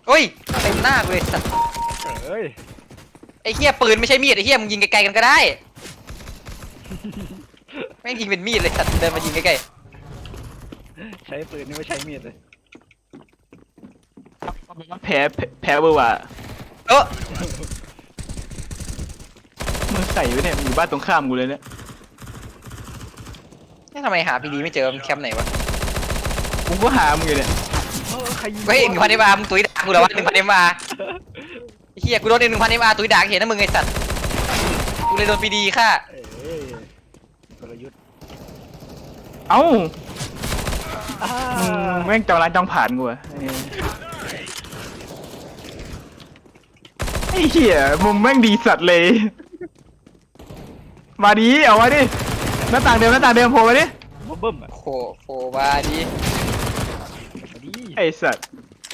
โอ้ยเต็มหน้ากูเลยสัตว์เอ้ยไอ้เหี้ยปืนไม่ใช่มีดไอ้เหี้ยมึงยิงไกลๆกันก็ได้ไม่งยิงเป็นมีดเลยสัตว์เดินมายิงใกล้ใช้ปืนนี่ไม่ใช้มีดเลยแพ้เบอร์ว่ะๆเออมึงใส่ไว้เนี่ยอยู่บ้านตรงข้ามกูเลยเนี่ยนี่ทำไมหาพีดีไม่เจอมันแคมป์ไหนวะกูก็หามึงอยู่เนี่ยใครยิงเฮ้ย1,000 MRมึงตุ้ยด่ากูเหรอวะ1,000 MR ไอ้เหี้ยกูโดน1,000 MRตุ้ยด่าเห็นนะมึงไอ้สัตว์กูเลยโดนพีดีค่ะเอ้ยกลยุทธ์เอ้าอ่ามึงแม่งจองร้านจองผ่านกูอะไอ้เหี้ยมุมแม่งดีสัตว์เลย มาดิเอามาดิหน้าต่างเดิมโผล่มาดิเบิ่มอ่ะโคบาดีมาดิไอ้สัตว์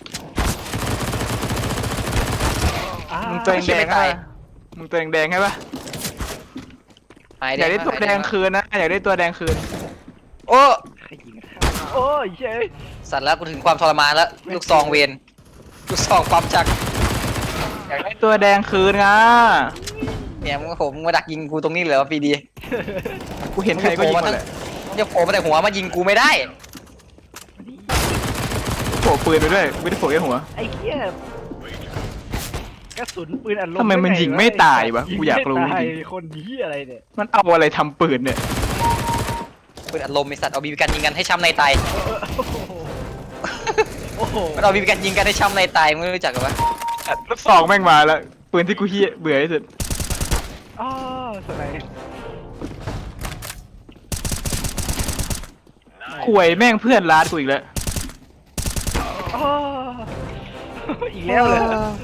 อ่ามึงตัวแดงๆใช่ปะมึงตัวแดงๆใช่ปะหายอยากได้ตัวแดงคืนนะอยากได้ตัวแดงคืนโอ้ใครยิงข้าโอ้ยเฮ้ยสัตว์แล้วกูถึงความทรมานแล้วลูกซองเวนลูกซองความจักอยากได้ตัวแดงคืนอ่ะเนี่ยมึงผมมาดักยิงกูตรงนี้เหรอพีดีกูเห็นใครก็ยิงหมดแหละมันจะโผล่มาแต่หัวมายิงกูไม่ได้โผล่ปืนไปด้วยไม่ได้โผล่แค่หัวไอ้เหี้ยกระสุนปืนอัดลมทำไมมันยิงไม่ตายวะกูอยากรู้งไม่ตจริงคนเหี้ยอะไรเนี่ยมันเอาอะไรทำปืนเนี่ยปืนอัดลมไอสัตว์เอาบีบีกันยิงกันให้ช้ำในตายโอ้โหมันเอาบีบีกันยิงกันให้ช้ำในตายมึงรู้จักกันปะลูกซองแม่งมาแล้วปืนที่กูเฮี้ยเบื่อที่สุดอ้าวสไนด์ข่วยแม่งเพื่อนร้านกูอีกแล้วอ้าวอีกแล้วเลย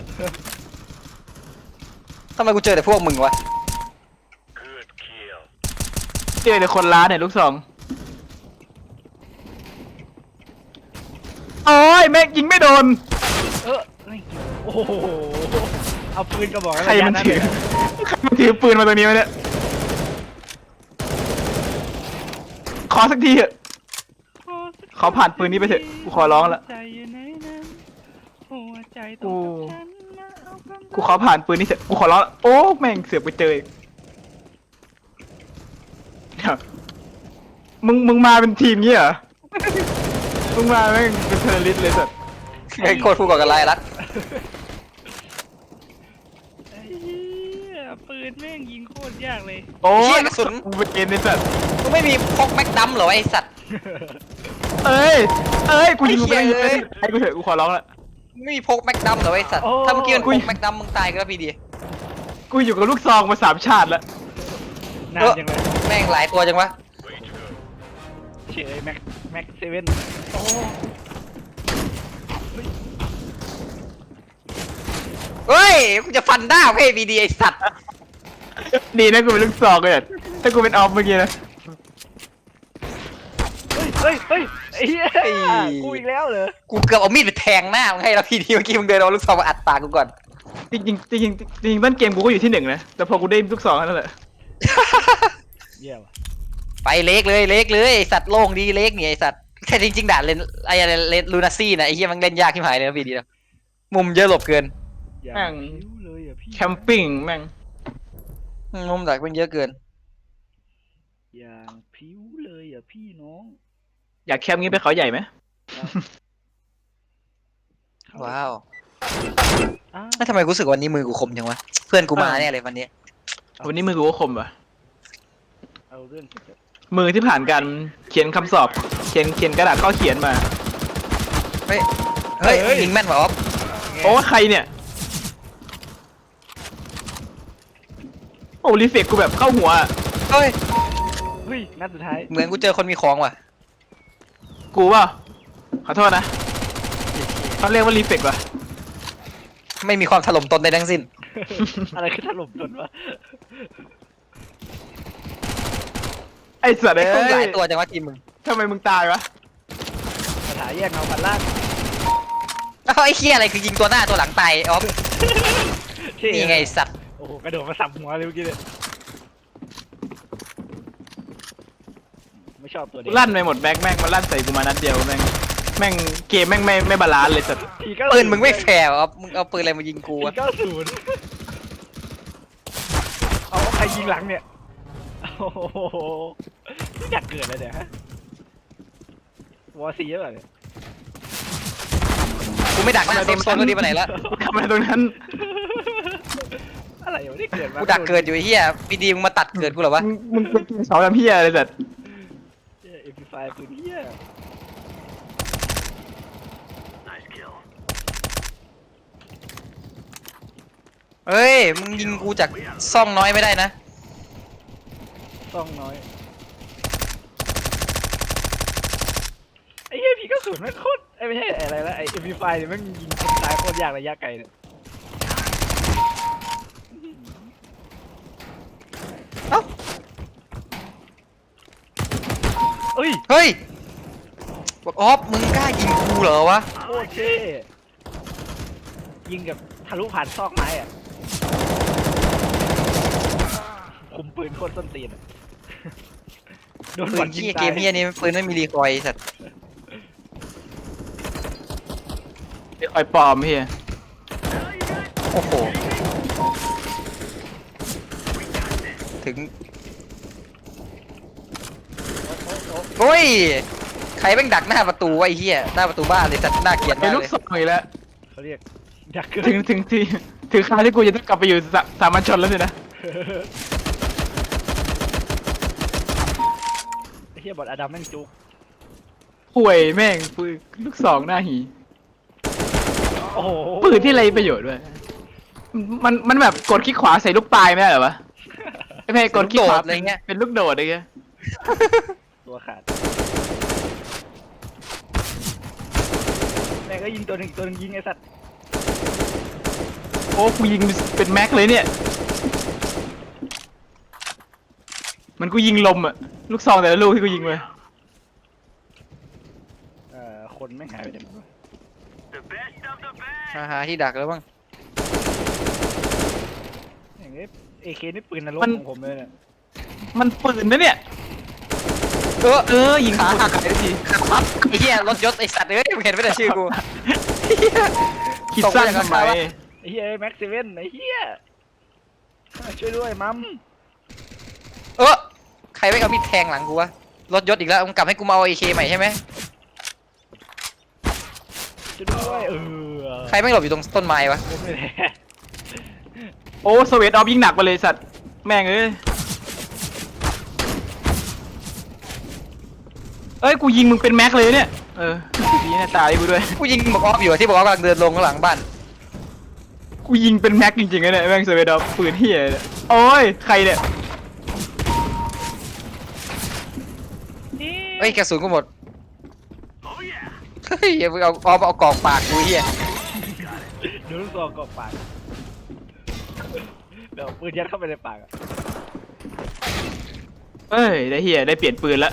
ทำไมกูเจอแต่พวกมึงวะเจอแต่คนร้านเนี่ยลูกซองโอ้ยแม่งยิงไม่โดนโอ้โหเอาปืนกระบอกใครมันถือใครมันถือปืนมาตรงนี้วะเนี่ยขอสักทีเถอะขอผ่านปืนนี้ไปเถอะกูขอร้องละใจอยู่ไหนนั้นหัวใจตกูรงกับฉันนะเอากำลังกูขอผ่านปืนนี้เถอะกูขอร้องละโอ้แม่งเสือกไปเจออีกเดี๋ยวมึงมาเป็นทีมงี้เหรอมึงมาแม่งเป็นเทอร์ริสต์เลยสัตว์ไอ้โคตรผู้ก่อการร้ายรักไอ้เหี้ยปืนแม่งยิงโคตรยากเลยโอ้เชี่ยยกระสุนกูเป็นเกมในสัตว์มึงไม่มีพกแม็กดัมเหรอไอสัตว์เอ้ยกูยิงไอ้ไปเหี้ยเอ้ยไอ้กูเถอะกูขอร้องละมึงไม่มีพกแม็กดัมเหรอไอสัตว์ถ้าเมื่อกี้มันพกแม็กดัมมึงตายกันแล้วพีดีกูอยู่กับลูกซองมา3 ชาติแล้วนานจังเลยแม่งหลายตัวจังวะเฉยแม็กเซเว่นโอ้เฮ้ยกูจะฟันหน้าให้พีดีไอสัตว์ดีนะกูเป็นลูกซองเลยถ้ากูเป็นออฟเมื่อกี้นะเฮ้ยไอ้เหี้ยกูอีกแล้วเหรอกูเกือบเอามีดไปแทงหน้ามึงให้แล้วพีดีเมื่อกี้มึงเดินเอาลูกซองมาอัดปากกูก่อนจริงๆจริงๆจริงๆต้นเกมกูก็อยู่ที่1นะแต่พอกูได้ลูกซองนั่นแหละเยี่ยมไปเล็กเลยไอสัตว์โล่งดีเล็กเนี่ยไอสัตว์แต่จริงๆด่านเลนไอเลนลูนาซี่นะไอเหี้ยมันเล่นยากที่หายเลยนะพีดีนะมุมเยอะหลบเกินอย่างผิวเลยอ่ะพี่แคมปิ้งแม่งมุมดักมันเยอะเกินอย่างผิวเลยอ่ะพี่น้องอยากแคมป์งี้ไปเขาใหญ่ไหมว้าวอ้าวแล้วทำไมกูรู้สึกวันนี้มือกูคมจังวะเพื่อนกูมาแน่เลยวันนี้วันนี้มือกูก็คมว่ะเอาเรื่องเถอะมือที่ผ่านการเขียนคำสอบเขียนกระดาษข้อเขียนมาเฮ้ยยิงแม่นว่ะอ๊อฟโอ้ใครเนี่ยโอ้รีเฟกกูแบบเข้าหัวอะเฮ้ยเฮ้ยนัดสุดท้ายเหมือนกูเจอคนมีของว่ะกูว่าขอโทษนะเขาเรียกว่ารีเฟกว่ะไม่มีความถล่มตนใดทั้งสิ้นอะไรคือถล่มจนวะไอ้สัตว์ไอ้พวกหเอ้ลาย ยตัวจังวะทีมมึงทำไมมึงตายวะคาถาแยกเงาพันล่างอ้าวไอ้เคี้ยอะไรคือยิงตัวหน้าตัวหลังตายอ๊อฟนี่ไงไอ้สัตว์โอ้โหกระโดดมาสับหัวเลยเมื่อกี้เลยไม่ชอบตัวเด็กลั่นไปหมดแบ็คแม่งมันลั่นใส่กูมานัดเดียวแม่งแม่งเกมแม่งไม่บาลานซ์เลยสัตว์ทีก็ปืนมึงไม่แฟร์อ่ะมึงเอาปืนอะไรมายิงกูทีอะก็ศูนย์เอาใครยิงหลังเนี่ยโอ้โหไม่อยากเกิดเลยเนี่ยฮะวอร์ซีเยอะเลยกูไม่ดักหน้าเซฟโซนก็ดีไปไหนแล้วทำอะไรตรงนั้นอะไรอยู่ที่เกิดมากูดักเกิดอยู่ไอ้เหี้ยปีดีมึงมาตัดเกิดกูเหรอวะมึงเป็นเสาทำเพี้ยอะไรสัตว์เอ็มพีไฟปืนเหี้ยเฮ้ยมึงยิงกูจากซ่องน้อยไม่ได้นะต้องน้อยไอ้เหี้ยพีก็ศูนย์ไม่โคตรไอ้ไม่ใช่อะไรละไอ้เอ็มพีไฟเนี่ยมันยิงคนตายโคตรยากระยะไกลเนี่ยเอ้าเอ้ยเฮ้ยบอกออฟมึงกล้ายิงกูเหรอวะโคตรเท่ยิงกับทะลุผ่านซอกไม้อะคุมปืนโคตรส้นตีนอะโดนปืบอน ลยิงเหี้ยตาเกยมเหี้ยนี่ปืนไม่มีรีคอยล์ไอ้สัตว์ไอ้คอยปลอมเฮียโอ้โหถึงโอ้ยใครแม่งดักหน้าประตูวะไอ้เหี้ยหน้าประตูบ้านเลยสัตว์น่าเกลียดไอ้มากลูกเลยศรอีกแล้วเขาเรียกดักเกินถึงคราวที่กูจะต้องกลับไปอยู่สามัญชนแล้วสินะไอ้เหี้ยบอลอดัมแม่งจุกห่วยแม่งปืนลูกซองหน้าหีโอ้โหปืนที่ไรประโยชน์ด้วยมันแบบกดคลิกขวาใส่ลูกปลายไม่ได้เหรอวะไม่ใช่กดคลิกขวาเป็นลูกโดดอะไรเงี้ยตัวขาดแม่งก็ยิงตัวหนึ่งยิงไอ้สัตว์โอ้กูยิงเป็นแม็กเลยเนี่ยมันกูยิงลมอะลูกซองแต่ละลูกที่กูยิงไปคนไม่หายไปไหนหมดวะหาที่ดักแล้วบ้างอย่างงี้เอเคนี่ปืนนรกของผมเลยเนี่ยมันปืนนะเนี่ยยิงขาหักไอ้ทีครับไอ้เหี้ยรถยศไอ้สัตว์เอ้ยมึงเห็นไม่ได้ชื่อกูคิดสั้นทำไมไอ้เหี้ยแม็กซ์เซเว่นไอ้เหี้ยช่วยด้วยมัมใครไม่เอามีดแทงหลังกูวะรถยศอีกแล้วมึงกลับให้กูมาเอาไอเคใหม่ใช่ไหมช่วยด้วยใครไม่หลบอยู่ตรงต้นไม้วะผมไม่แหละโอ้สวีทออฟยิงหนักไปเลยสัตว์แม่งเอ้ยกูยิงมึงเป็นแม็กเลยเนี่ยดีนะตายกูด้วยกูยิงบอกออฟอยู่ที่บอกออฟกำลังเดินลงข้างหลังบ้านกูยิงเป็นแม็กจริงๆนะเนี่ยแม่งสวีทออฟปืนเฮียเนี่ยโอ้ยใครเนี่ยเฮ้ยกระสุนกูหมดเฮ้ยอย่าเพิ่งเอาออฟเอากรอกปากกูเฮียโดนลูกซองกรอกปากเดี๋ยวปืนยัดเข้าไปในปากอะเอ้ยได้เฮียได้เปลี่ยนปืนละ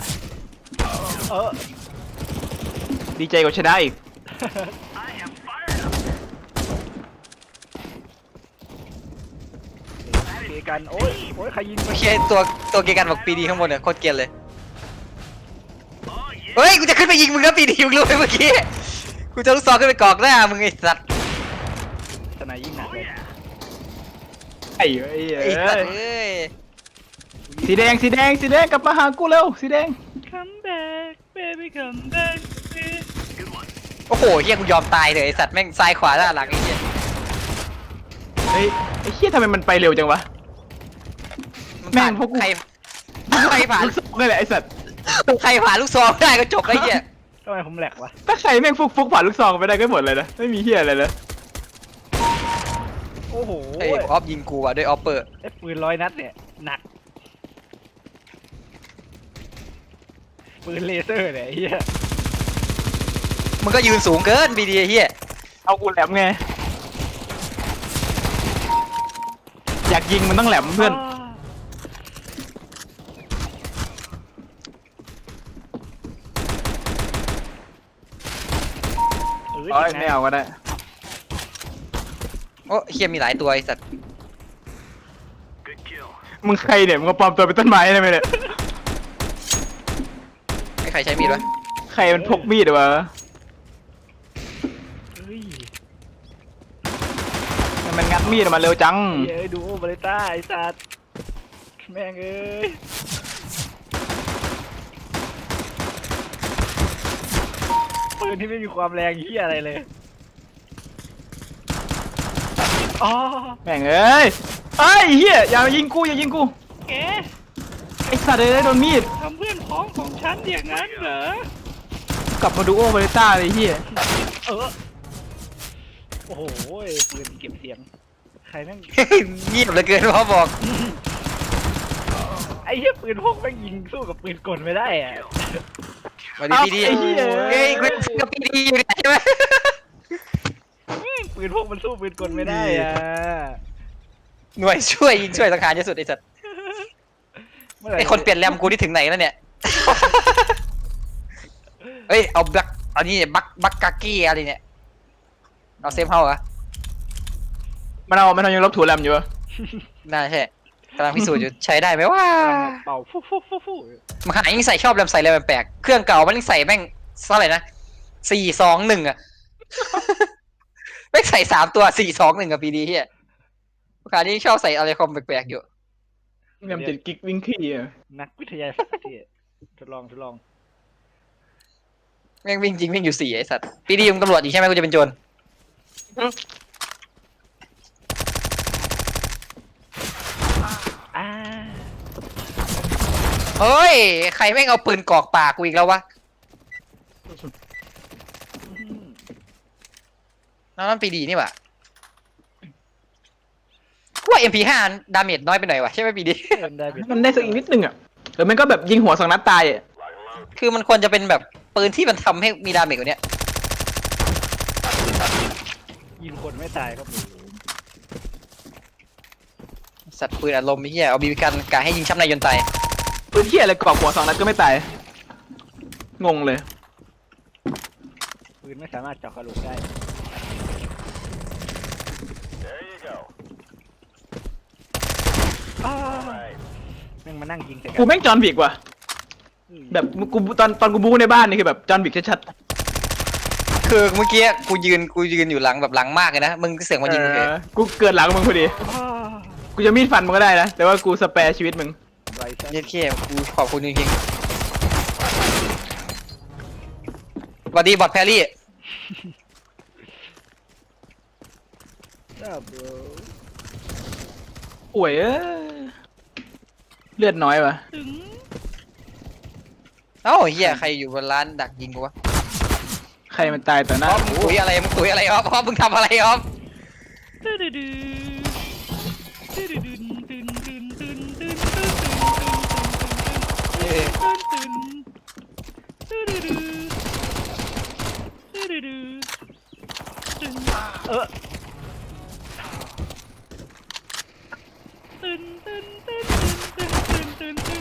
ดีใจกว่าชนะอีกเกกันโอ้ยใครยิงเฮียตัวเกกันบอกปีดีข้างบนเนี่ยโคตรเกลียดเลยเฮ้ยกูจะขึ้นไปยิงมึงนะปีดีมึงรู้ไหมเมื่อกี้กูจะลูกซองขึ้นไปกรอกหน้ามึงไอ้สัตว์สนายยิงหนักเลยไอ้ไอ้สัตว์เอ้ยสีแดงกลับมาหากูเร็วสีแดง Come back baby come back โอ้โหเฮียกูยอมตายเลยไอ้สัตว์แม่งซ้ายขวาหน้าหลังไอ้เฮียเฮ้ยไอ้เฮียทำไมมันไปเร็วจังวะ แม่งพวกกูใครผ่านลูกซองนี่แหละไอ้สัตว์ใครผ่านลูกซองได้ก็จบไอ้เหี้ยทำไมผมแหลกวะถ้าใครแม่งฟุกผ่านลูกซองไปได้ก็หมดเลยนะไม่มีเฮียอะไรเลยโอ้โหไอ้ออฟยิงกูว่ะด้วยออฟเปอร์ไอ้ปืน100 นัดเนี่ยหนักปืนเลเซอร์เนี่ยไอ้เหี้ยมึงก็ยืนสูงเกินบีดีไอ้เหี้ยเอากูแหลมไงอยากยิงมันต้องแหลมเพื่อนไม่เอาก็ได้โอ้เหี้ยมีหลายตัวไอ้สัตว์มึงใครเนี่ยมึงมาปลอมตัวเป็นต้นไม้ได้ไหมเนี่ยไอ้ใครใช้มีดวะใครมันพกมีดวะมีดออกมาเร็วจังเอ้ยดูโอบาเลต้าไอ้สัตว์แม่งเอ้ยปืนที่ไม่มีความแรงเหี้ยอะไรเลยอ๋อแม่งเอ้ยเอ้ยเฮียอย่ายิงกูอย่ายิงกูแกไอสัตว์เลยโดนมีดทำเพื่อนพ้องของฉันอย่างนั้นเหรอกลับมาดูโอบาเลต้าเลยเฮียโอ้โหปืนเก็บเสียงใครแม่งเงียบเหลือเกินพ่อบอกไอ้เหี้ยปืนพกแม่งยิงสู้กับปืนกลไม่ได้อะมาดีดีไอ้เฮียเฮ้ยกูกับปีดีอยู่เนี่ยใช่ไหมปืนพกมันสู้ปืนกลไม่ได้อะหน่วยช่วยยิงช่วยสังหารเยอะสุดไอ้สัตว์เมื่อไหร่ไอ้คนเปลี่ยนแรมกูที่ถึงไหนแล้วเนี่ย เฮ้ยเอาบักอันนี้บักกากี้อะไรเนี่ยเอาเซฟเฮาส์เหรอมันยังลบถูแรมอยู่ปะน่าใช่กำลังพิสูจน์อยู่ใช้ได้ไหมว่าเป่าฟูฟูฟูฟูมันขนาดยิ่งใส่ชอบแรมใส่แรมแปลกๆเครื่องเก่ามันยิ่งใส่แม่งเท่าไหร่นะ421อ่ะ แม่งใส่3 ตัว421กับปีดีเฮียขนาดนี้ชอบใส่อะไรคอมแปลกๆอยู่แรม7 กิกวิ่งขี้อะนักวิทยาศาสตร์ที่ทดลองแม่งวิ่งจริงวิ่งอยู่4ไอ้สัตว์ปีดีมึงตำรวจอีกใช่ไหมกูจะเป็นโจรอ่าเฮ้ยใครแม่งเอาปืนกรอกปากกูอีกแล้ววะนั่นปีดีนี่หว่ากูว่า MP5 ดาเมจน้อยไปหน่อยวะใช่ไหมปีดีเล่นได้เป็นมันได้สักอีกนิดนึงอ่ะหรือมันก็แบบยิงหัว2 นัดตายอ่ะคือมันควรจะเป็นแบบปืนที่มันทำให้มีดาเมจกว่านี้ยิงคนไม่ตายครับผมสัตว์ปืนอารมณ์ไอ้เหี้ยเอาบีบีกันกะให้ยิงช้ำในยนต์ตายปืนเฮียอะไรกรอกหัว2 นัดก็ไม่ตายงงเลยปืนไม่สามารถเจาะกระโหลกได้อ้าวแม่งมานั่งยิงใส่กักูแม่งจอห์นวิกว่ะแบบกูตอนกูบู๊ในบ้านนี่คือแบบจอห์นวิกชัดคือเมื่อกี้กูยืนอยู่หลังแบบหลังมากเลยนะมึงเสียงๆมายิงเลยกูเกิดหลังมึงพอดีอ้าวกูจะมีดฟันมึงก็ได้นะแต่ว่ากูสแปร์ชีวิตมึงไรซันเย็ดเข้กูขอบคุณจริงๆสวัสดีบอทแพรรี่จ้าบรป่วยเลือดน้อยว่ะถึงเอ้าเหี้ยใครอยู่บนร้านดักยิงกูวะใครมันตายต่อหอน้าอฟมึงคุยอะไรมึงคุยอะไรออฟออฟมึงทำอะไรออฟตื้อดื้อดื้อตื้อดื้อดื้อตื้นตื้นตื้นตื้นตื้นเอ้ยตื้นตื้นตื้อดื้อดื้อตื้อดื้อดื้อตื้นตื้นตื้นตื้นตื้นตื้นตื้นตื้น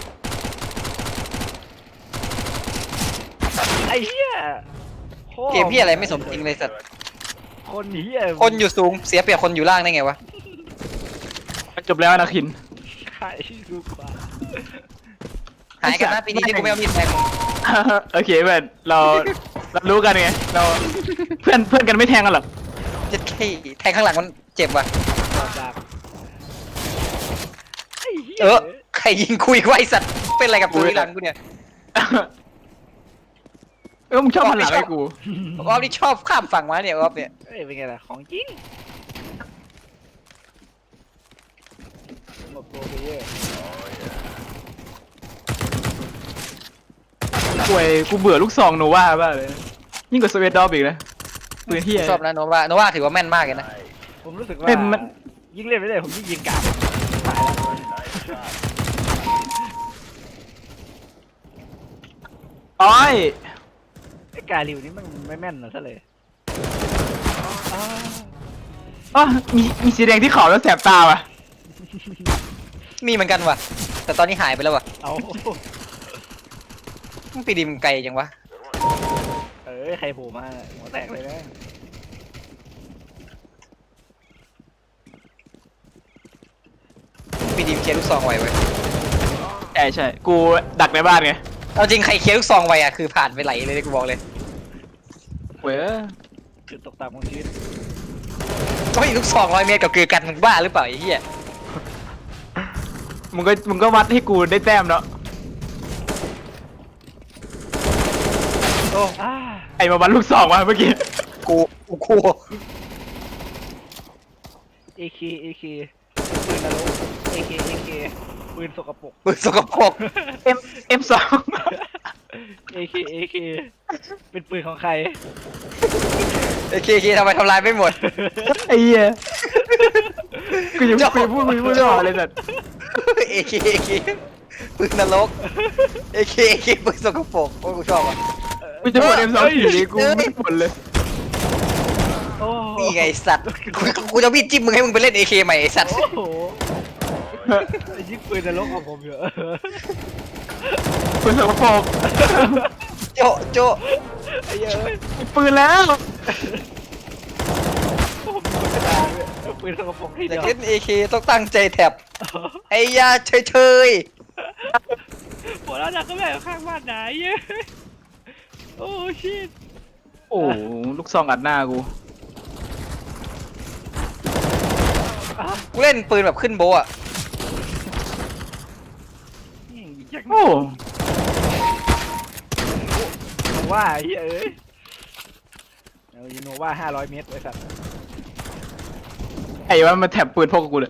ไอ้เหี้ยเกมพี่อะไรไม่สมจริงเลยสัตว์คนเหี้ยคนอยู่สูงเสียเปรียบคนอยู่ล่างได้ไงวะมันจบแล้วนะคินขายดูกว่าหายกันนะปีนี้ที่กูไม่เอามีดแทงมึงโอเคเพื่อนเรารู้กันไงเราเพื่อนกันไม่แทงกันหรอกเจ็ดขี้แทงข้างหลังมันเจ็บว่ะดอกดักไอ้เหี้ยใครยิงคุยไวะไอ้สัตว์เป็นอะไรกับตัวหลังกูเนี่ยมึงชอบหันหลังให้กูออฟนี่ชอบข้ามฝั่งมาเนี่ยออฟเนี่ยเอ้ยเป็นไงล่ะของจริงหมดโปรไปเยอะป่วยกูเบื่อลูกซองโนวาบ้าเลยยิ่งกว่าสเวตดอฟอีกนะปืนที่ชอบนะโนวาถือว่าแม่นมากเลยนะผมรู้สึกว่ามันยิ่งเล่นไปเรื่อยผมยิ่งยิงกากตายแล้วอ้อยไอ้กาลิวนี่มันไม่แม่นนะซะเลยอ้าวอ๋อมีสีแดงที่เขาแล้วแสบตาว่ะมีเหมือนกันว่ะ แต่ตอนนี้หายไปแล้วว่ะเอาปีดีมันไกลจังวะเอ้ยใครโผล่มาหัวแตกเลยนะปีดีมันเคลียร์ลูกซองไวเว้ยใช่กูดักในบ้านไงเอาจริงใครเคลียร์ลูกซองไวอ่ะคือผ่านไปไหลเลยกูบอกเลยเว้ยจุดตกต่ำของชีวิตก็อีกลูก200 เมตรกับเกือกันมึงบ้าหรือเปล่าไอ้เหี้ยมึงก็วัดให้กูได้แต้มแล้วโอ้อ่าไอ้มาวัดลูกซองมาเมื่อกี้กูกูเอเคปืนนรกเอเคปืนสกปรกมึงสกปรก M2 เอเคเป็นปืนของใครโอเคทำไมทำลายไม่หมดไอ้เหี้ยกูยังพูดไม่ออกเลยสัตว์เอเคปืนนรกเอเคปืนสกปรกโอ้ยกูชอบอ่ะกูจะหมด M2 อยู่ดีกูไม่หมดเลยโอ้นี่ไงไอ้สัตว์กูจะวิ่งจิ้มมึงให้มึงไปเล่นเอเคใหม่ไอ้สัตว์โอ้โหไอ้ยิงปืนนรกของผมเยอะปืนสกปรกโจไอ้เหี้ยเอ้ยปืนแล้วผมเป็นคนกระดาษเลยปืนสกปรกที่อเดียากยวเล่นเอเคต้องตั้งใจแท็บไอ้ยาเฉยหัวเราะดักก็แบบข้างบ้านไหนเย้ยโอ้ชิตโอ้ลูกซองอัดหน้ากูๆกูเล่นปืนแบบขึ้นโบอ่ะอยากโอ้ว่าไอ้เหี้ยเอ้ยเอายูโนว่า500 เมตรไอ้สัตว์ไอ้ว่ามันแถบปืนพกกับกูเลย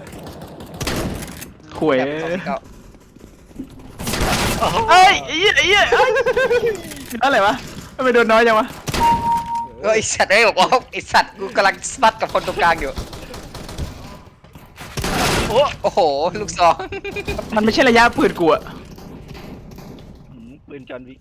ข่วยแท็บ249 เอ้ยไอ้เหี้ยอะไรวะทำไมโดนน้อยจังวะไอสัตว์ไอ้บอกว่าไอสัตว์กูกำลังสปัดกับคนตรงกลางอยู่ โอ้โหลูกซองมันไม่ใช่ระยะปืนกูอะปืนจอห์นวิก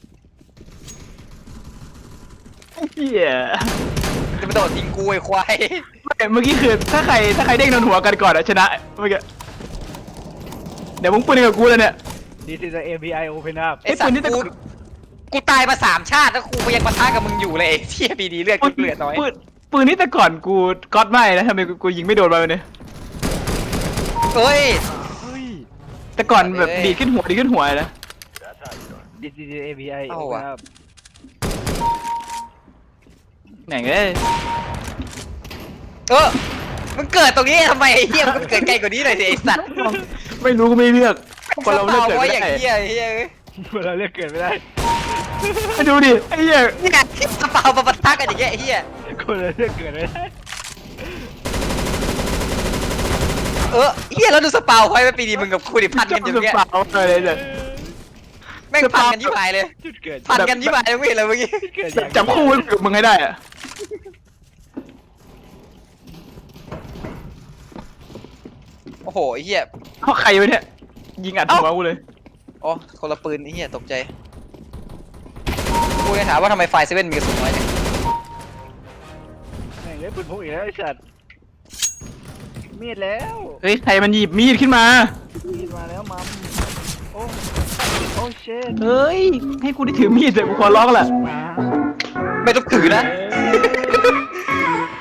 เหี้ยจะมาโดดยิงกูไอ้ควายเมื่อกี้คือถ้าใครเด้งโดนหัวกันก่อนอะชนะเมื่อกี้เดี๋ยวมึงปืนกับกูเลยเนี่ย This is a ABI open up ไอสัตปืนว์นี่แต่กูตายมา3 ชาติแล้วกูยังปะทะกับมึงอยู่เลยไอ้เที่ยปีดีเลือดกูเหลือน้อยปืนนี่แต่ก่อนกูก๊อตไม่นะทำไมกูยิงไม่โดนไปเนี่ยเฮ้ยเฮ้ยแต่ก่อนแบบเอ้ยดีดขึ้นหัวเลยนะ This is a ABI เอา open ว่ะ up แหน่งเอ้ยมึงเกิดตรงนี้ทำไมไอ้เหี้ยมึงเกิดไกลกว่านี้หน่อยสิไอ้สัตว์ไม่รู้ก็ไม่เลือกคนเราเลือกเกิดไว้ไม่อย่างได้เหี้ยไอ้เหี้ยเอ้ยเราเรียกเกิดไม่ได้ไปดูดิไอ้เหี้ยนี่ไงที่กระเป๋ามาปะทะกันอย่างเงี้ยไอ้เหี้ยคนเราเรียกเกิดไม่ได้เหี้ยแล้วดูสปาวไว้ว่าปีดีมึงกับกูดิพันกันอยู่สเงี้ยปาเลยเนี่ยแม่งพันกันยิ่งหายเลยจุดเกิดพันกันยิ่งหายเลยไม่เห็นเลยเมื่อกี้จุดเกิดอย่างจับคู่กับมึงให้ได้อะโอ้โหไอ้เหี้ยเพราะใครวะเนี่ยยิงอัดหัวกูเลยอ๋อคนละปืนไอ้เหี้ยตกใจกูเลยถามว่าทำไมไฟเซเว่นมีกระสุนน้อยเนี่ยแม่งเล่นปืนพกอีกแล้วไอ้สัตว์มีดแล้วเฮ้ยใครมันหยิบมีดขึ้นมามีดมาแล้วมัมโอ้โอ้เชนเฮ้ยให้กูได้ถือมีดเถอะกูขอร้องแหละมาไม่ต้องถือนะ